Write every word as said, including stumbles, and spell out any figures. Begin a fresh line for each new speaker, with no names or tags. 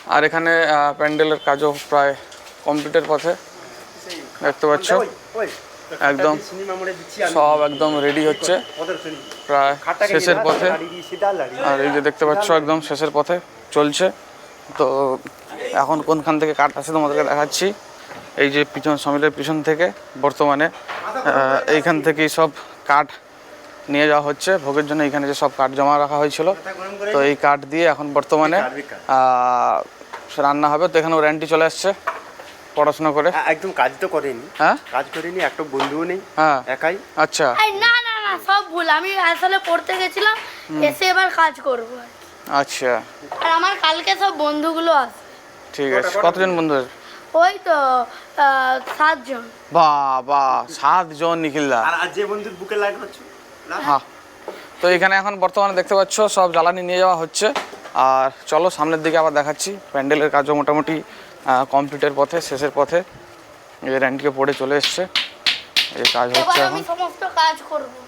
আর এখানে প্যান্ডেলের কাজও প্রায় কমপ্লিটের পথে, দেখতে পাচ্ছ একদম সব একদম রেডি হচ্ছে, প্রায় শেষের পথে। আর এই যে দেখতে পাচ্ছ একদম শেষের পথে চলছে। তো এখন কোনখান থেকে কাঠ আসে তোমাদেরকে দেখাচ্ছি। এই যে পিছন সমিলের পিছন থেকে বর্তমানে এইখান থেকেই সব কাঠ নিয়ে যাওয়া হচ্ছে ভোগের জন্য। এইখানে যে সব কাঠ জমা রাখা হয়েছিল, তো এই কাঠ দিয়ে এখন বর্তমানে রান্না হবে। তো এখানে ওর চলে আসছে পড়াশোনা করে,
একদম কাজ তো করেনি।
হ্যাঁ
কাজ করেনি, একটা বন্ধুও নেই,
হ্যাঁ
একাই।
আচ্ছা,
না না না সব ভুল, আমি আসলে পড়তে গেছিলাম, এসে এবার কাজ করব।
আচ্ছা,
আর আমার কালকে সব বন্ধুগুলো আসবে।
ঠিক আছে। কতজন বন্ধু?
ওই তো সাতজন।
বাবা, সাতজন নিখিলদা।
আর যে বন্ধুর বুকে লাগাচ্ছ।
হ্যাঁ, তো এখানে এখন বর্তমানে দেখতে পাচ্ছ সব জ্বালানি নিয়ে যাওয়া হচ্ছে। আর চলো সামনের দিকে আবার দেখাচ্ছি। প্যান্ডেলের কাজও মোটামুটি কমপ্লিটের পথে, শেষের পথে। এই র্যান্টকে পড়ে চলে এসছে, এই কাজ হচ্ছে এখন।
আমি সমস্ত কাজ করব।